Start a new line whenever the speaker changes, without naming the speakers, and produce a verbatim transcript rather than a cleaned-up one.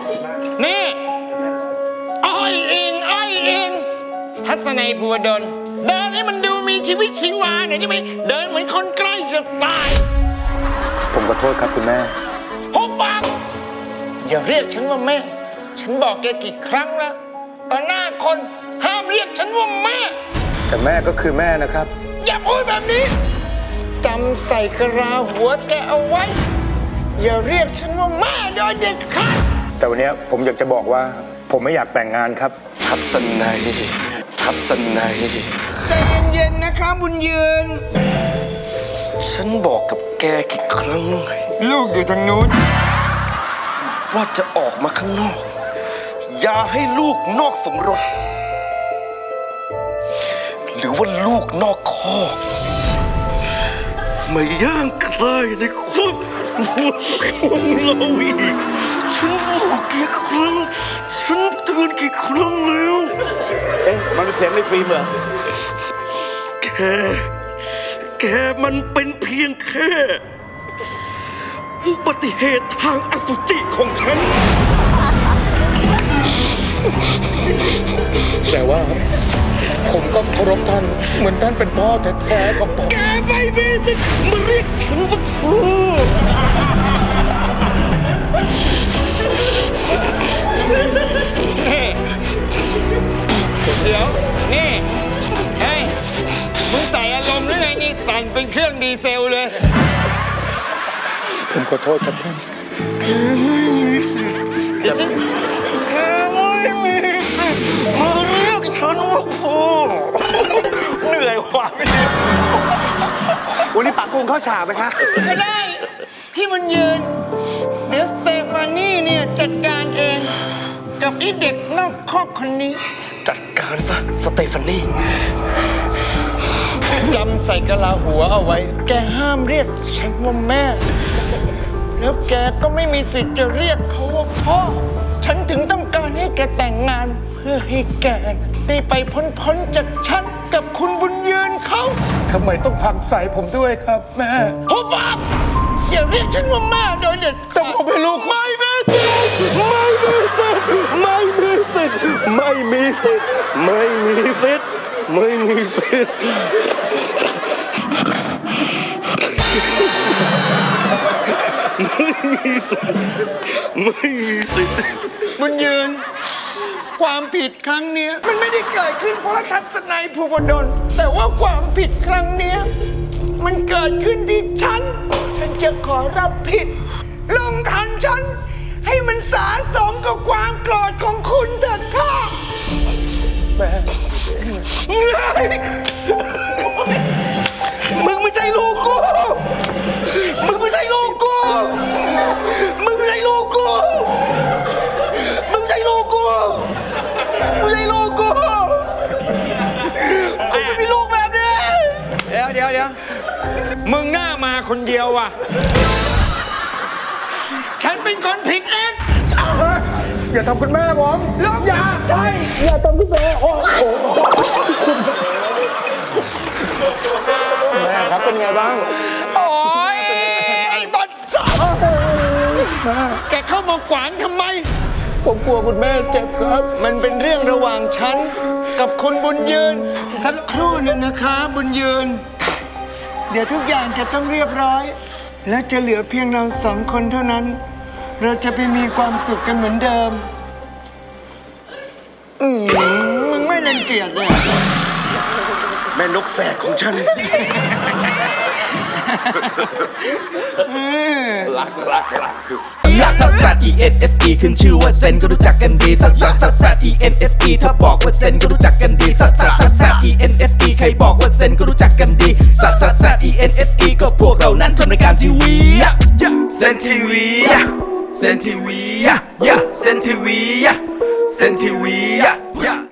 นี่อ้อยอิงอ้อยอิงทัศนัยภูวดลเดินให้มันดูมีชีวิตชีวาหน่อยได้ไหมเดินเหมือนคนใกล้จะตาย
ผมขอโทษครับคุณแม่
หุบปากอย่าเรียกฉันว่าแม่ฉันบอกแกกี่ครั้งแล้วต่อหน้าคนห้ามเรียกฉันว่าแม่
แต่แม่ก็คือแม่นะครับ
อย่าพูดแบบนี้จำใส่กระลาหัวแกเอาไว้อย่าเรียกฉันว่าแม่โดยเด็ดขาด
แต่วันนี้ผมอยากจะบอกว่า ผมไม่อยากแต่งงานครับ
ทัศนัยทัศนัย
ใจเย็นๆนะคะบุญยืน
ฉันบอกกับแกกี่ครั้ง
ลูกอยู่ทางนู้น
ว่าจะออกมาข้างนอก อย่าให้ลูกนอกสมรส หรือว่าลูกนอกคอกมาย่างใกล้ในครอบครัวของเราอีกฉันบอกกี่ครั้งฉันเตือนกี่ครั้งแล้ว
เอ๊ะมันเป็นเสียงในฟิล์มเหรอ
แกแกมันเป็นเพียงแค่อุบัติเหตุทางอสุจิของฉัน
แต่ว่าผมก็เคารพท่านเหมือนท่านเป็นพ่อแท้ๆของผม
แกไม่มีสิทธิ์มาเรียกฉันว่าพ่อ
เดี๋ยวนี่เฮ้ยมึงใส่อารมณ์หรือไงนี่สั่นเป็นเครื่องดีเซลเลย
ผมขอโทษครับท่าน
ไม่มีสิทธิ์
เดี๋ยวฉัน
แกไม่มีสิทธิ์มาเรียกฉันว่าพ่อ
เหนื่อยว่ะพี่วันนี้ปักกุ้งเข้าฉากไหมคะ
ก็ได้พี่บุญยืนเดี๋ยวสเตฟานี่เนี่ยจัดการเองกับไอ้เด็กนอกคอกคนนี้
จัดการซะสเตฟานี่
จำใส่กะลาหัวเอาไว้ แกห้ามเรียกฉันว่าแม่ แล้วแกก็ไม่มีสิทธิ์จะเรียกเขาว่าพ่อ ฉันถึงต้องการให้แกแต่งงาน เพื่อให้แกได้ไปพ้นๆจากฉันกับคุณบุญยืนเขา
ทำไมต้องพังใส่ผมด้วยครับแม่
หุบปากอย่าเรียกฉันว่าแม่โดยเด็ด
แต่ผมเป็นลูก
ไม่มีสิทธิ์ไม่มีสิทธิ์ไม่มีสิทธิ์ไม่มีสิทธิ์ไม่มีสิทธิ์ไม่มีสิทธิ์ไม่มีสิทธิ์ไม่มีสิทธิ์
บุญยืน ความผิดครั้งเนี้ยมันไม่ได้เกิดขึ้นเพราะทัศนัยภูวดลแต่ว่าความผิดครั้งเนี้ยมันเกิดขึ้นที่ฉัน ฉันจะขอรับผิด ลงทันฉัน ให้มันสาสมกับความโกรธของคุณเถิดค่ะ
มึงไม่ใช่ลูกกู มึงไม่ใช่ลูกกู มึงไม่ใช่ลูกกู มึงไม่ใช่ลูกกู มึงไม่ใช่ลูกกู กูไม่มีลูกแบบนี้
เดี๋ยวเดี๋ยวเดี๋ยวมึงหน้ามาคนเดียวว่ะ ฉันเป็นคนผิดเอง
อย่าทำคุณแม่ผม
ลูกอย่าใช่
อย่าทำคุณแม่โอ้โหแม่ครับเป็นไงบ้าง
โอ้ยไอ้บัตรสัตว์แกเข้ามาขวางทำไม
ผมกลัวคุณแม่เจ็บครับ
มันเป็นเรื่องระหว่างฉันกับคุณบุญยืน สักครู่หนึงนะคะบุญยืน เดี๋ยวทุกอย่างจะต้องเรียบร้อย แล้วจะเหลือเพียงเราสองคนเท่านั้น เราจะไปมีความสุขกันเหมือนเดิม อืมมึงไม่รังเกียจเลย
แม่นกแสกของฉัน
รักรักรัก
ลักซัสซัส E N S E ขึ้นชื่อว่าเซนก็รู้จักกันดีซัสซัสซัสซัส E N S E ถ้าบอกว่าเซนก็รู้จักกันดีซัสซัสซัสซัส E N S E ใครบอกว่าเซนก็รู้จักกันดีซัสซัสซัส E N S E ก็พวกเรานั้นทำรายการทีวีเซนทีวีเซนทีวีเซนทีวีเซนทีวี